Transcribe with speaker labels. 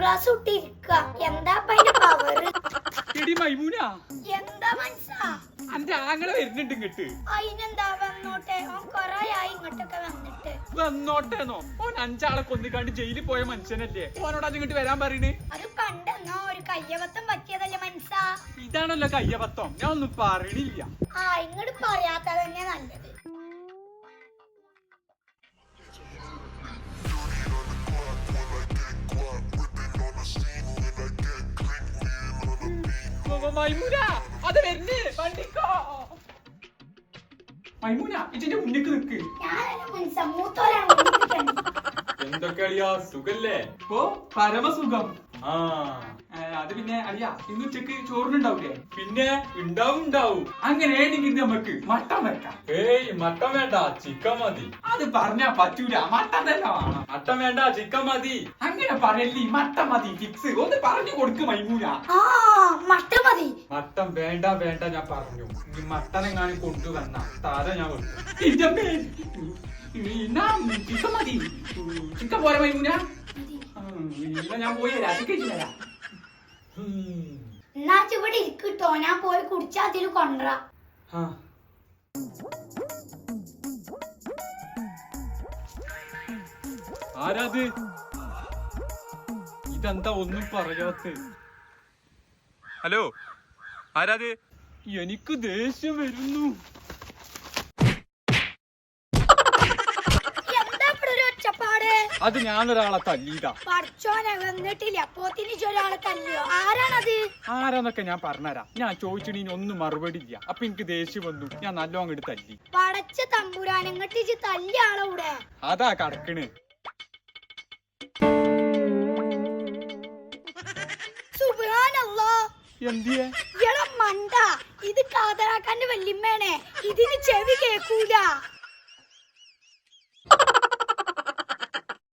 Speaker 1: Glass ഇട്ടിരിക്ക. എന്താ power?
Speaker 2: എടി മൈമൂന,
Speaker 1: എന്താ മനസ്സാ?
Speaker 2: അന്റെ ആങ്ങളെ വരുന്നുണ്ട് ഇങ്ങട്ട്.
Speaker 1: അതിനെന്താ വന്നോട്ടെ, ഓൻ കൊറേയായി ഇങ്ങോട്ടൊക്കെ വന്നിട്ട്.
Speaker 2: വന്നോട്ടേന്നോ? ഓൻ 5 ആളെ കൊന്നിക്കാണ്ട് ജയിലിൽ പോയ മനുഷ്യനല്ലേ, ഓനോട് അത് ഇങ്ങോട്ട് വരാൻ പറയണേ.
Speaker 1: അത് പണ്ടെന്നോ ഒരു കയ്യബദ്ധം പറ്റിയതല്ലേ മനസ്സാ?
Speaker 2: ഇതാണല്ലോ കയ്യബദ്ധം, ഞാൻ ഒന്നും പറയണില്ല.
Speaker 1: ഇങ്ങോട്ട് പറയാത്തതന്നെ നല്ലത്.
Speaker 2: മൈമൂന, അത് വരുന്നേ, വണ്ടിക്കോ. മൈമൂന, ഇതിന്റെ മുന്നിക്ക് നിക്ക്. എന്തൊക്കെ അളിയാ, സുഖല്ലേ? ഓ പരമസുഖം. അത് പിന്നെ അളിയാ, ഇന്ന് ഉച്ചക്ക് ചോറിനുണ്ടാവൂലേ? പിന്നെ ഉണ്ടാവും. അങ്ങനെയാണെങ്കിൽ നമുക്ക് മട്ടൻ വെക്കാം. ഏയ് മട്ടൻ വേണ്ട, ചിക്കൻ മതി. അത് പറഞ്ഞാ പറ്റൂല, മട്ടൻ തന്നെ വേണം. മട്ടൻ വേണ്ട, ചിക്കൻ മതി. അങ്ങനെ പറയല്ലേ, മട്ടൻ മതി ഫിക്സ്. ഒന്ന് പറഞ്ഞു കൊടുക്ക് മൈമൂന.
Speaker 1: മട്ടൻ മതി.
Speaker 2: മട്ടൻ വേണ്ട ഞാൻ പറഞ്ഞു. ഈ മട്ടൻ എങ്ങാനും കൊണ്ടുവന്ന തല ഞാൻ വെക്കും. ചിക്കൻ മതി. ചിക്കൻ പോരെ മൈമൂന? ഞാൻ പോയി തരാം.
Speaker 1: എന്നാ ഇവിടെ ഇരിക്കട്ടോ, ഞാൻ പോയി കുടിച്ചാ അതിൽ കൊണ്ടുവരാ.
Speaker 2: ആരാത്? ഇതെന്താ ഒന്നും പറയാത്ത? ഹലോ, ആരാത്? എനിക്ക് ദേഷ്യം വരുന്നു. അത് ഞാനൊരാളെ തല്ലിയതാ.
Speaker 1: പഠിച്ചോനെ വന്നിട്ടില്ല, പോത്തിന് ഒരാളെ തല്ലിയോ? ആരാണത്?
Speaker 2: ആരാന്നൊക്കെ ഞാൻ പറഞ്ഞുതരാം. ഞാൻ ചോദിച്ചിട്ട് ഒന്നും മറുപടി ഇല്ല. അപ്പൊ എനിക്ക് ദേഷ്യം വന്നു, ഞാൻ നല്ലോ അങ്ങോട്ട് തല്ലി.
Speaker 1: പടച്ച തമ്പുരാൻ, ഇങ്ങോട്ട് തല്ലിയ ആളൂടെ?
Speaker 2: അതാ കടക്കണ്.
Speaker 1: സുബ്ഹാനല്ലാഹ്,
Speaker 2: എന്തിയെ
Speaker 1: മണ്ട, ഇത് കാതറാക്കാന്റെ വല്യമ്മേനെ, ഇതിന് ചെവി കേക്കൂല.